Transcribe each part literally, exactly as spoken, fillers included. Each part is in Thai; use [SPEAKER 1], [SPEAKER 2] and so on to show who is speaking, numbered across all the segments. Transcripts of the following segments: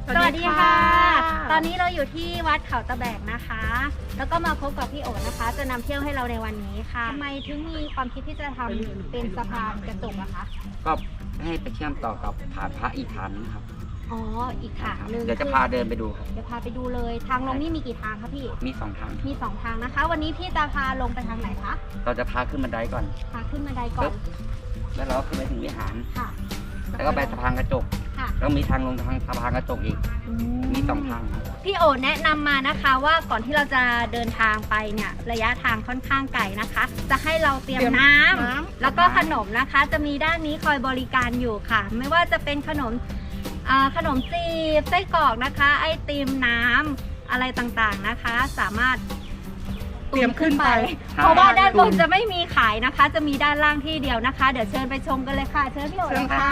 [SPEAKER 1] สวัสดีค่ะตอนนี้เราอยู่ที่วัดเขาตะแบกนะคะแล้วก็มาพบกับพี่โอ๋นะคะจะนำเที่ยวให้เราในวันนี้ค่ะทำไมถึงมีความคิดที่จะทำเป็นสะพานกระจกอะคะ
[SPEAKER 2] ก็ให้ไปเชื่อมต่อกับฐานพระอีกฐานนะครับ
[SPEAKER 1] อ๋ออีกฐานหนึ่ง
[SPEAKER 2] เดี๋ยวจะพาเดินไปดูครับ
[SPEAKER 1] เดี๋ยวพาไปดูเลยทางลงนี่มีกี่ทางคะพี่
[SPEAKER 2] มีสองทาง
[SPEAKER 1] มีสองทางนะคะวันนี้พี่จะพาลงไปทางไหนคะ
[SPEAKER 2] เราจะพาขึ้นบันไดก่อน
[SPEAKER 1] พาขึ้นบันไดก่อน
[SPEAKER 2] แล้วเราก็ขึ้นไปถึงวิหาร
[SPEAKER 1] ค่ะ
[SPEAKER 2] แล้วก็ไปสะพานกระจกแล้วมีทางลงทางสะพานกระจกอีกมีสองทาง
[SPEAKER 1] พี่โอ๋แนะนำมานะคะว่าก่อนที่เราจะเดินทางไปเนี่ยระยะทางค่อนข้างไกลนะคะจะให้เราเตรียมน้ำแล้วก็ขนมนะคะจะมีด้านนี้คอยบริการอยู่ค่ะไม่ว่าจะเป็นขนมขนมจีบไส้กรอกนะคะไอติมน้ำอะไรต่างๆนะคะสามารถ
[SPEAKER 3] เตรียมขึ้นไป
[SPEAKER 1] เพราะว่าด้านบนจะไม่มีขายนะคะจะมีด้านล่างที่เดียวนะคะเดี๋ยวเชิญไปชมกันเลยค่ะเชิญพี่โอ๋เลยค่ะ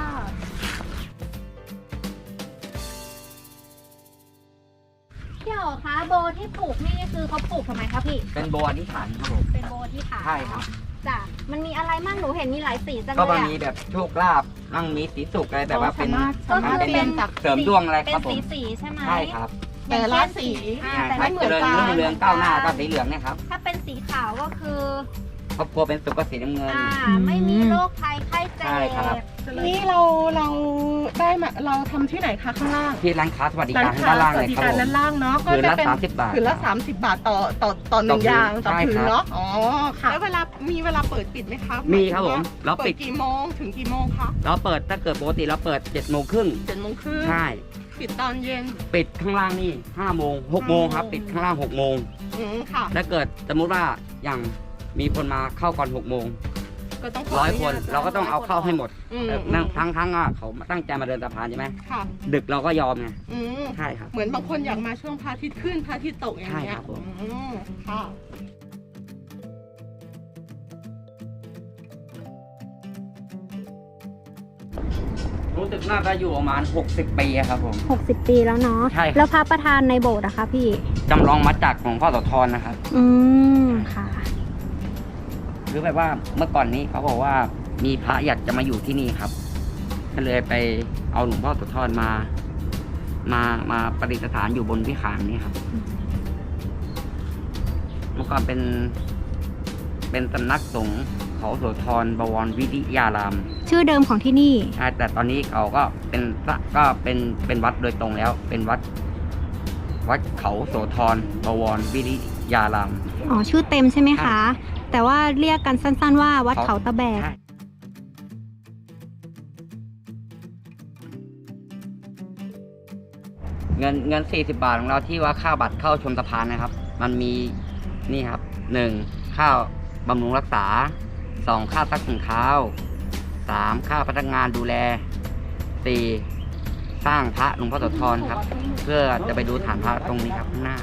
[SPEAKER 1] พี่โอ๋คะโบที่ปลูกนี่คือเขาปลูกทำไมคะพี่
[SPEAKER 2] เป็นโบอธิษฐานครับผม
[SPEAKER 1] เป็นโบที่ฐาน
[SPEAKER 2] ใช่ครับ
[SPEAKER 1] จ้ะมันมีอะไรมั่งหนูเห็นมีหลายสีจังเลย
[SPEAKER 2] ก็มีแบบโชคลาภมั่งมีสีสุกอะไรแบบว่าเป็น
[SPEAKER 1] ก็คือเป็น
[SPEAKER 2] เสริมดวงอะไรครับผม
[SPEAKER 1] เป็นสีๆใช่ไหม
[SPEAKER 2] ใช่ครับ
[SPEAKER 3] แต่ละสี
[SPEAKER 1] แต่ไม่เหมือนกัน
[SPEAKER 2] เรื่องก้าวหน้าก็สีเหลืองเนี่ยครับ
[SPEAKER 1] ถ้าเป็นสีขาวก็คือ
[SPEAKER 2] ครอบครัวเป็นสุขก็สีน้ำเงิน
[SPEAKER 1] ไม่มีโรคภัยไข้เจ็บ
[SPEAKER 3] นี่เราเราได้มาเราทำที่ไหนคะข้างล่าง
[SPEAKER 2] ที่ร้านค้าสวัสดิการด้านล่างเลยครับ
[SPEAKER 3] ด้านล่างเนาะ
[SPEAKER 2] ก็จะเป็น
[SPEAKER 3] คืนละสามสิบบาทต่อต่อต่อหนึ่งยางต่อคืนเนาะอ๋อค่ะแล้วเวลามีเวลาเปิดปิดไหมคะ
[SPEAKER 2] มีครับผมเราปิด
[SPEAKER 3] กี่โมงถึงกี่โมงคะ
[SPEAKER 2] เราเปิดถ้าเกิดปกติเราเปิดเจ็ดโมงครึ่ง
[SPEAKER 3] เจ็ดโมงครึ่ง
[SPEAKER 2] ใช่
[SPEAKER 3] ปิดตอนเย็น
[SPEAKER 2] ปิดข้างล่างนี่ห้าโมงหกโมงครับปิดข้างล่างหกโมง
[SPEAKER 3] อืมค่ะ
[SPEAKER 2] ถ้าเกิดสมมุติว่าอย่างมีคนมาเข้าก่อนหกโมงร้อยคนเราก็ต้องเอาเข้าให้หมดนั่งทั้งทั้งอ่ะเขาตั้งใจมาเดินสะพานใช่ไหมดึกเราก็ยอมไงใช่ครับ
[SPEAKER 3] เหมือนบางคนอยากมาช่วงพระอาทิตย์ขึ้นพระอาทิตย์ตกอย่างเงี้ยค่ะ
[SPEAKER 2] รู้สึกน่าจะอยู่ประมาณหกสิบปีครับผม
[SPEAKER 1] หกสิบปีแล้วเนาะ
[SPEAKER 2] ใช่
[SPEAKER 1] แล้วพระประธานในโบสถ์อะคะพี่
[SPEAKER 2] จำลองมาจากของพ่อโสธรนะครับ
[SPEAKER 1] อืมค่ะ
[SPEAKER 2] หรือแบบว่าเมื่อก่อนนี้เขาบอกว่ามีพระอยากจะมาอยู่ที่นี่ครับก็เลยไปเอาหลวงพ่อโสธรมามามาประดิษฐานอยู่บนวิหารนี่ครับเมื่อก่อนเป็นเป็นสำนักสงฆ์เขาโสธรบวรวิริยาราม
[SPEAKER 1] ชื่อเดิมของที่นี่
[SPEAKER 2] ใช่แต่ตอนนี้เขาก็เป็นก็เป็นเป็นวัดโดยตรงแล้วเป็นวัดวัดเขาโสธรบวรวิริยาราม
[SPEAKER 1] อ๋อชื่อเต็มใช่ไหมคะแต่ว่าเรียกกันสั้นๆว่าวัดเขาตะแบก
[SPEAKER 2] เงินเงินสี่สิบบาทของเราที่ว่าค่าบัตรเข้าชมสะพานนะครับมันมีนี่ครับหนึ่งค่าบำรุงรักษาสองค่าซักถุงเท้าสามค่าพนักงานดูแลสี่สร้างพระหลวงพ่อโสธรครับเพื่อจะไปดูฐานพระตรงนี้ครับข้างหน้า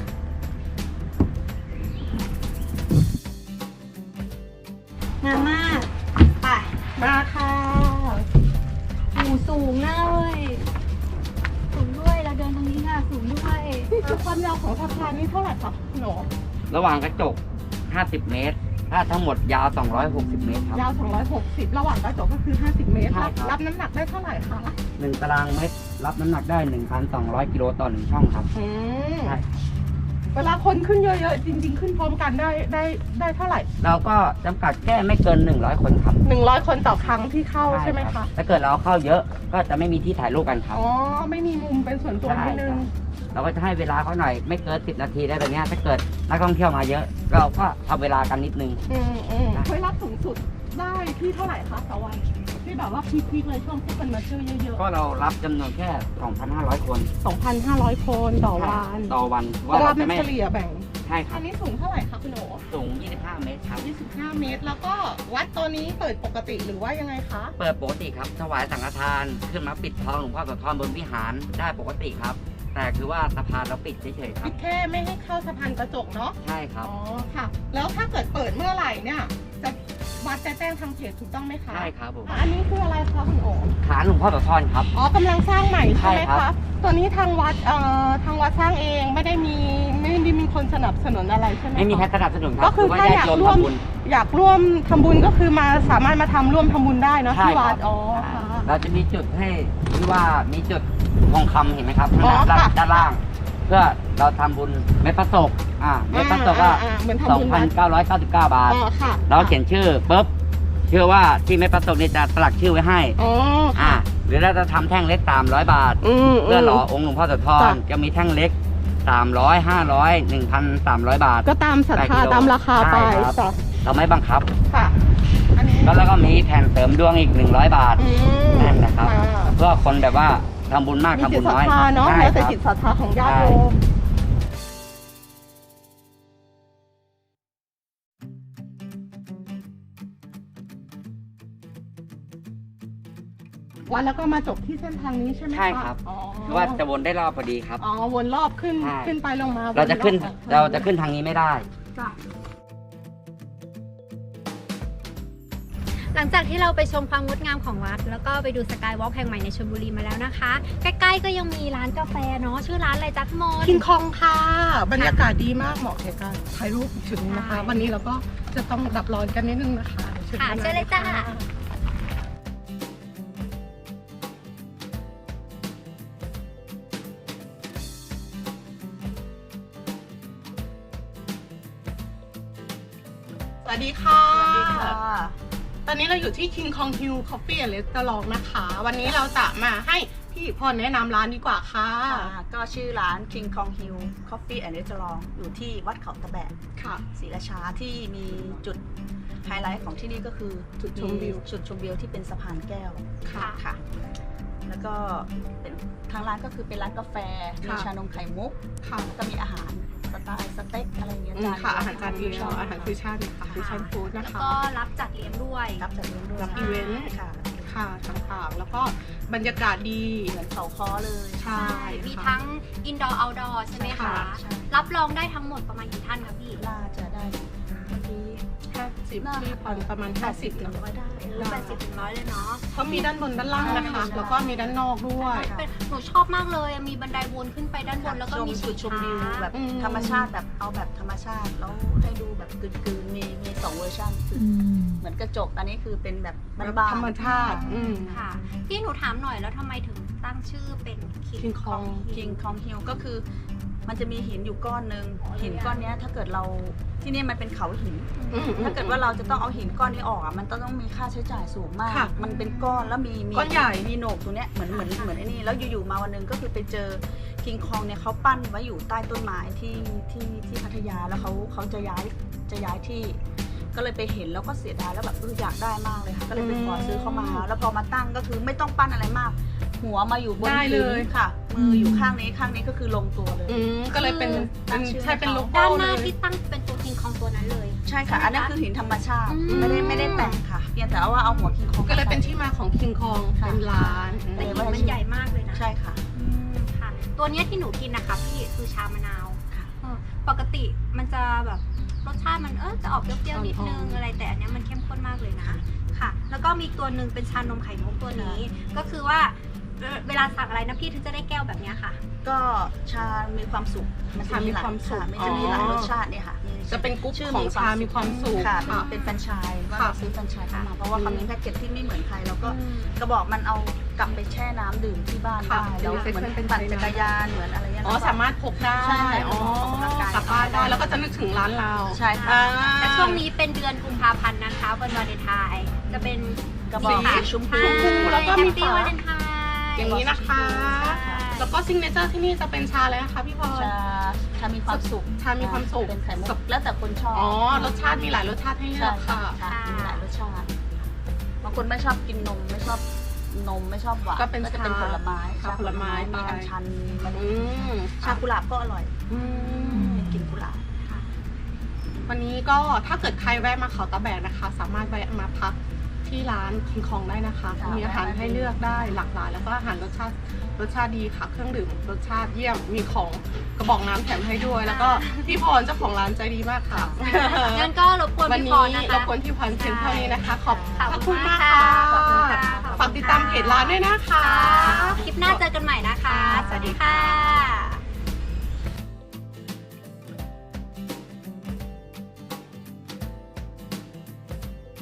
[SPEAKER 1] มาม่าไป
[SPEAKER 3] มาค่ะ
[SPEAKER 1] หูสูงนะเว้ยสูงด้วยเราเดินตรงนี้ค่ะสูงด้วย
[SPEAKER 3] ความยาวของสะพานนี้เท่าไหร่คะหนู
[SPEAKER 2] ระหว่างกระจกห้าสิบเมตรถ้าทั้งหมดยาวสองร้อยหกสิบเมตรครับ
[SPEAKER 3] ยาวสองร้อยหกสิบระหว่างกระจกก็คือห้าสิบเมตรรับน้ำหนักได้เท่าไหร่คะ
[SPEAKER 2] หนึ่งตารางเมตรรับน้ำหนักได้ หนึ่งพันสองร้อย กิโลต่อหนึ่งช่องครับ
[SPEAKER 3] ใช่เวลาคนขึ้นเยอะๆจริงๆขึ้นพร้อมกันได้ได้ได้เท่าไหร่
[SPEAKER 2] เราก็จำกัดแค่ไม่เกินหนึ่งร้อยคนครับ
[SPEAKER 3] หนึ่งร้อยคนต่อครั้งที่เข้าใช่ไหมคะ
[SPEAKER 2] ถ้าเกิดเราเข้าเยอะก็จะไม่มีที่ถ่ายรูปกันครับ
[SPEAKER 3] อ๋อไม่มีมุมเป็นส่วนตัวนิดนึง
[SPEAKER 2] เราก็จะให้เวลาเขาหน่อยไม่เกินสิบนาทีได้แบบนี้ถ้าเกิดนักท่องเที่ยวมาเยอะเราก็ทำเวลากันนิดนึง
[SPEAKER 3] อืมอืมเคยรับสูงสุดได้ที่เท่าไหร่คะต่อวันที่แบบว่าพีคๆเลยช่วงที่คนมาเที่ยวเยอะ
[SPEAKER 2] ๆก็เรารับจำนวนแค่ สองพันห้าร้อย คน
[SPEAKER 3] สองพันห้าร้อย คนต่อวัน
[SPEAKER 2] ต่อวัน
[SPEAKER 3] ว่าเราจะไม่เฉลี่ยแบ่ง
[SPEAKER 2] ใช่ครับ
[SPEAKER 3] อันนี้สูงเท่าไหร่คะคุณโอ๋
[SPEAKER 2] สูงยี่สิบห้าเมตรครับ
[SPEAKER 3] ยี่สิบห้าเมตรแล้วก็วัดตัวนี้เปิดปกติหรือว่ายังไงคะ
[SPEAKER 2] เปิดปกติครับถวายสังฆทานขึ้นมาปิดทองหลวงพ่อโสธรบนวิหารได้ปกติครับแต่คือว่าสะพานเราปิดเฉยๆครับ
[SPEAKER 3] ปิดแค่ไม่ให้เข้าสะพานกระจกเนาะ
[SPEAKER 2] ใช่ครับ
[SPEAKER 3] อ๋อค่ะแล้วถ้าเกิดเปิดเมื่อไหร่เนี่ยจะวัดจะแจ้งทางเพจถูกต้องไหมคะ
[SPEAKER 2] ใช่ครับผม
[SPEAKER 3] อันนี้คืออะไรคะคุณโอ๋
[SPEAKER 2] ฐานหลวงพ่อโสธรครับ
[SPEAKER 3] อ๋อกำลังสร้างใหม่ใช่ไหมคะตัวนี้ทางวัดเอ่อทางวัดสร้างเองไม่ได้มีไม่ได้มีคนสนับสนุนอะไรใช่ไหม
[SPEAKER 2] ไม่มีใครสนับสนุนครับ
[SPEAKER 3] ก็คือถ้าอยากร่วมอยากร่วมทำบุญก็คือมาสามารถมาทำร่วมทำบุญได้เนาะที่วัดอ๋อค่ะ
[SPEAKER 2] เราจะมีจุดให้ที่ว่ามีจุดทองคำเห็นไหมครับ
[SPEAKER 3] อ๋อ
[SPEAKER 2] ด้าน
[SPEAKER 3] ค่ะ
[SPEAKER 2] ด้านล่าง เพื่อเราทำบุญเม็ดพระศกอ่าเม็ดพระศกก็
[SPEAKER 3] อ่าๆๆเหมือนทำ
[SPEAKER 2] สอ
[SPEAKER 3] บุ
[SPEAKER 2] ง
[SPEAKER 3] ญ
[SPEAKER 2] พันเก้าร้อยเก้าสิบเก้าบาท
[SPEAKER 3] อ๋อค่ะ
[SPEAKER 2] เราเขียนชื่อปุ๊บเชื่อว่าที่เม็ดพระศกนี่จะสลักชื่อไว้ให้
[SPEAKER 3] อ๋อ
[SPEAKER 2] อ่า
[SPEAKER 3] ค่ะ
[SPEAKER 2] หรือเราจะทำแท่งเล็กสามร้อยบาท
[SPEAKER 3] อืม
[SPEAKER 2] เพื่อหล่อองค์หลวงพ่อโสธร
[SPEAKER 3] จ้ะ
[SPEAKER 2] จะมีแท่งเล็กสามร้อย ห้าร้อย หนึ่งพันสามร้อยบาท
[SPEAKER 3] ก็ตามศรัท
[SPEAKER 2] แปดกิ
[SPEAKER 3] ธา
[SPEAKER 2] โล
[SPEAKER 3] ตามราคาไป
[SPEAKER 2] ใช่ครับ
[SPEAKER 3] จ้ะ
[SPEAKER 2] เราไม่บังคับ
[SPEAKER 3] ค่ะ อันนี้
[SPEAKER 2] แล้วก็มีแผ่นเสริมดวงอีกหนึ่งร้อยบาท
[SPEAKER 3] อืม
[SPEAKER 2] นั่นนะครับ
[SPEAKER 3] อ่า
[SPEAKER 2] เพื่อคนแบบว่าทำบุญมาก
[SPEAKER 3] มี
[SPEAKER 2] ทำ
[SPEAKER 3] จิ
[SPEAKER 2] บุ
[SPEAKER 3] ต
[SPEAKER 2] ญ
[SPEAKER 3] ศรัท
[SPEAKER 2] น้อย
[SPEAKER 3] ธาเนาะ
[SPEAKER 2] ใช่
[SPEAKER 3] แล้วแต่
[SPEAKER 2] ครับ
[SPEAKER 3] จิตศรัทธาของญาติโยมวันแล้วก็มาจบที่เส้นทางนี้ใช่ไหมะ
[SPEAKER 2] ใช่ครับ
[SPEAKER 3] อ๋อ
[SPEAKER 2] คือว่าจะวนได้รอบพอดีครับ
[SPEAKER 3] อ๋อวนรอบขึ้น
[SPEAKER 2] ใช่
[SPEAKER 3] ขึ้นไปลงมา
[SPEAKER 2] เราจะขึ้น
[SPEAKER 3] วรอบ
[SPEAKER 2] เราจะขึ้นทางนี้ไม่ได้
[SPEAKER 3] จ้ะ
[SPEAKER 1] หลังจากที่เราไปชมความงดงามของวัด แล้วก็ไปดูสกายวอล์กแห่งใหม่ในชลบุรีมาแล้วนะคะ ใกล้ๆก็ยังมีร้านกาแฟเนาะชื่อร้านอะไรจ๊ะพี่มนต์
[SPEAKER 3] คิงคองค่ะ บรรยากาศดีมากเหมาะแก่การถ่ายรูปอีกจุดหนึงนะคะ
[SPEAKER 1] ใช่
[SPEAKER 3] วันนี้เราก็จะต้องดับร้อนกันนิดนึงนะคะ
[SPEAKER 1] ค่ะเชิญเลยจ้า
[SPEAKER 3] สวัสดีค่ะ
[SPEAKER 4] สวัสดีค่ะ
[SPEAKER 3] ตอนนี้เราอยู่ที่ King Kong Hill Coffee and Restaurant นะคะ วันนี้เราจะมาให้พี่พรแนะนำร้านดีกว่าค่ะ
[SPEAKER 4] ค่ะก็ชื่อร้าน King Kong Hill Coffee and Restaurant อยู่ที่วัดเขาตะแบก
[SPEAKER 3] ค่ะ
[SPEAKER 4] ศรีราชาที่มีจุดไฮไลท์ของที่นี่ก็คือ
[SPEAKER 3] จุดชมวิว
[SPEAKER 4] จุดชมวิวที่เป็นสะพานแก้ว
[SPEAKER 3] ค่ะ
[SPEAKER 4] ค่ะ แล้วก็เป็นทางร้านก็คือเป็นร้านกาแฟ มี
[SPEAKER 3] ค่ะ
[SPEAKER 4] ชานมไข่มุก
[SPEAKER 3] ค่ะ
[SPEAKER 4] แล้วก็มีอาหารสไตล์สเต็กอะไรอย่างเงี้ย
[SPEAKER 3] อืม
[SPEAKER 4] จาน
[SPEAKER 3] ค่ะ อาหารจานเดี
[SPEAKER 4] ช
[SPEAKER 3] ยว
[SPEAKER 4] บ
[SPEAKER 3] อาหารฟิวชั่นค่ะฟิวชั่นฟู้ด
[SPEAKER 1] แล้
[SPEAKER 3] นะ
[SPEAKER 1] ว
[SPEAKER 3] คะ
[SPEAKER 1] ก็รับจัดเลี้ยงด้วย
[SPEAKER 4] รับจัดเลี้ยงด้วย
[SPEAKER 3] รับอีเวนต์
[SPEAKER 4] ค่ะ
[SPEAKER 3] ค่ะต่างๆ แล้วก็บรรยากาศดี
[SPEAKER 4] เหมือนเขาค้อเลย
[SPEAKER 3] ใช่
[SPEAKER 1] มี
[SPEAKER 3] ค่ะ
[SPEAKER 1] ทั้งอินดอร์เอาท์ดอร์ใช่ไหมคะ
[SPEAKER 4] ใช่
[SPEAKER 1] รับรองได้ทั้งหมดประมาณกี่ท่านคะพี่
[SPEAKER 4] น่าจะได้เมื่อกี้
[SPEAKER 3] ห้าสิบที่พรประมาณห้าสิบ
[SPEAKER 4] ถึงร้อยได้
[SPEAKER 1] แปดสิบถึงร้อยเลยเนาะ
[SPEAKER 3] เขามีด้านบนด้านล่างนะคะ แล้วก็มีด้านนอกด้วย
[SPEAKER 1] เป็นหนูชอบมากเลยมีบันไดวนขึ้นไปด้านบนแล้วก็มี
[SPEAKER 4] จุดชมวิวแบบ
[SPEAKER 3] อืม
[SPEAKER 4] ธรรมชาติแบบเอาแบบธรรมชาติแล้วให้ดูแบบกลืนๆมีมีสองเวอร์ชันเหมือนกระจกอันนี้คือเป็นแบบบ้านๆ
[SPEAKER 3] ธรรมชาติอืม
[SPEAKER 1] ค่ะ พี่หนูถามหน่อยแล้วทำไมถึงตั้งชื่อเป็น
[SPEAKER 3] King
[SPEAKER 1] King
[SPEAKER 3] Kong
[SPEAKER 1] Kong
[SPEAKER 4] คิงคองฮิลก็คือมันจะมีหินอยู่ก้อนหนึ่งหินก้อนเนี้ยถ้าเกิดเราที่นี่มันเป็นเขาหิน
[SPEAKER 3] อืม
[SPEAKER 4] ถ้าเกิดว่าเราจะต้องเอาหินก้อนนี้ออกอ่ะมันต้องมีค่าใช้จ่ายสูงมาก
[SPEAKER 3] ค่ะ
[SPEAKER 4] มันเป็นก้อนแล้วมีมี
[SPEAKER 3] ก้อนใหญ่
[SPEAKER 4] มีโหนกตรงเนี้ยเหมือนเหมือนเหมือนไอ้นี่แล้วอยู่ๆมาวันหนึงก็คือไปเจอคิงคองเนี่ยเขาปั้นไว้อยู่ใต้ต้นไม้ที่ที่ที่พัทยาแล้วเขาเขาจะย้ายจะย้ายที่ ก็เลยไปเห็นแล้วก็เสียดายแล้วแบบเอออยากได้มากเลยค่ะก็เลยไปขอซื้อเข้ามา แล้วพอมาตั้งก็คือไม่ต้องปั้นอะไรมาก หัวมาอยู่บน
[SPEAKER 3] ได้เลย
[SPEAKER 4] พื้นค่ะ มืออยู่ข้างนี้ข้างนี้ก็คือลงตัวเลย
[SPEAKER 3] อืมก็เลยเป็น
[SPEAKER 4] ตั้
[SPEAKER 3] เป็น
[SPEAKER 4] งชื่อ
[SPEAKER 3] ใช่เป็นโล
[SPEAKER 1] ด้า
[SPEAKER 3] โก้
[SPEAKER 1] นห
[SPEAKER 3] เล
[SPEAKER 1] น้าย ที่ตั้งเป็นตัว King Kong ตัวนั้นเลย
[SPEAKER 4] ใช่ค่ะ อันนั้นคือหินธรรมชาติ
[SPEAKER 1] อืม
[SPEAKER 4] ไม่ได้ไม่ได้แต่งค่ะเพียงแต่ว่าเอาหัวคิงคอง
[SPEAKER 3] ก็เลยเป็นที่มาของ King Kong
[SPEAKER 4] ค่ะ
[SPEAKER 3] เป็นร้าน
[SPEAKER 1] แต่หินมันใหญ่มากเลยนะ
[SPEAKER 4] ใช่ค่ะ
[SPEAKER 1] อืมค่ะ ตัวเนี้ยที่หนูกินนะคะพี่คือชามะนาว
[SPEAKER 4] ค่ะ
[SPEAKER 1] เออปกติมันจะแบบรสชาติมันเออจะออกเปรี้ยวๆนิดนึงอะไรแต่อันเนี้ยมันเข้มข้นมากเลยนะค่ะ แล้วก็มีอีกตัวหนึ่งเป็นชานมไข่มุกตัวนี้ ก็คือว่าเวเวลาสั่งอะไรนะพี่ถึงจะได้แก้วแบบเนี้ยค่ะ
[SPEAKER 4] ก็ชา มีความสุข
[SPEAKER 3] ชามีความสุข
[SPEAKER 4] มันจะมีหลายรสชาติเนี่ยค่ะมี
[SPEAKER 3] จะเป็นกรุ๊ป
[SPEAKER 4] ชื่อ
[SPEAKER 3] ของชามีความสุข
[SPEAKER 4] ค่ะ
[SPEAKER 3] ค่ะ
[SPEAKER 4] เป็นแฟรนไชส์ว่า
[SPEAKER 3] ค่ะ
[SPEAKER 4] เราซื้อแฟรนไชส์เข้ามาเพราะว่าเขามีแพ็กเกจที่ไม่เหมือนใครแล้วก็
[SPEAKER 1] อืม
[SPEAKER 4] กระบอกมันเอากลับไปแช่น้ำดื่มที่บ้าน
[SPEAKER 3] ค่ะ
[SPEAKER 4] ได้แล้วเหมือน
[SPEAKER 3] เป็น
[SPEAKER 4] ปั่นจักรยานเหมือนอะไรเงี้ย
[SPEAKER 3] อ๋อ สามารถพกได้
[SPEAKER 4] ใช่
[SPEAKER 3] อ๋อ
[SPEAKER 4] ออกกำลังกาย
[SPEAKER 3] กลับบ้านได้ แล้วก็จะนึกถึงร้านเรา
[SPEAKER 4] ใช่ค่ะ
[SPEAKER 3] อ่า
[SPEAKER 1] และช่วงนี้เป็นเดือนกุมภาพันธ์นะคะวันวาเลนไทน์จะเป็น
[SPEAKER 4] กระบอก
[SPEAKER 3] สี
[SPEAKER 4] สีชมพู
[SPEAKER 3] ชมพูแล้วก็มี
[SPEAKER 1] แฮปปี้
[SPEAKER 3] ฝา
[SPEAKER 1] วาเลนไทน์
[SPEAKER 3] อย่างนี้นะคะ แล้วก็ซิงเนเจอร์ที่นี่จะเป็นชาอะไรนะคะพี่พร
[SPEAKER 4] ชาชามีความสุข
[SPEAKER 3] ชามีความสุข
[SPEAKER 4] เป็นไข่มุกแล้วแต่คนชอบ
[SPEAKER 3] อ๋อ รสชาติมีหลายรสชาติให้เลื
[SPEAKER 4] ใช่
[SPEAKER 3] อก
[SPEAKER 4] ค่ะ
[SPEAKER 3] ค่ะ
[SPEAKER 4] ค่ะมีหลายรสชาติบางคนไม่ชอบกินนมไม่ชอบนมไม่ชอบหวาน
[SPEAKER 3] ก็เป็น
[SPEAKER 4] จะเป็น
[SPEAKER 3] ชา
[SPEAKER 4] ผลไม้
[SPEAKER 3] ชาผลไม้
[SPEAKER 4] มีอัญชันมีมะ
[SPEAKER 3] อื
[SPEAKER 4] ลิ
[SPEAKER 3] ม
[SPEAKER 4] ชากุหลาบก็อร่อย
[SPEAKER 3] อืม
[SPEAKER 4] เป็นกลิ่นกุหลาบ
[SPEAKER 3] วันนี้ก็ถ้าเกิดใครแวะมาเขาตะแบกนะคะ สามารถแวะมาพักที่ร้านคิงคองได้นะคะ
[SPEAKER 4] ค่ะ
[SPEAKER 3] มีอาหารให้เลือกได้หลากหลาย แล้วก็อาหารรสชาติรสชาติดีค่ะ เครื่องดื่มรสชาติเยี่ยม มีของกระบอกน้ำแถมให้ด้วย แล้วก็พี่พรเจ้าของร้านใจดีมากค่ะ
[SPEAKER 1] งั้นก็รบกวน
[SPEAKER 3] วัน
[SPEAKER 1] พี่
[SPEAKER 3] นี้
[SPEAKER 1] พรนะ
[SPEAKER 3] ร
[SPEAKER 1] คะ
[SPEAKER 3] บกวนพี่พรเพียงเท่านี้นะคะ ขอบ
[SPEAKER 1] ขอบ
[SPEAKER 3] พระ
[SPEAKER 1] คุ
[SPEAKER 3] คุณ
[SPEAKER 1] ณ
[SPEAKER 3] มาก
[SPEAKER 1] มาก
[SPEAKER 3] ค่ะ
[SPEAKER 1] ค่ะขอบคุณค่ะ
[SPEAKER 3] ฝากติดตามเพจร้านด้วยนะคะ
[SPEAKER 1] คลิปหน้าเจอกันใหม่นะคะ สวัสดีค่ะ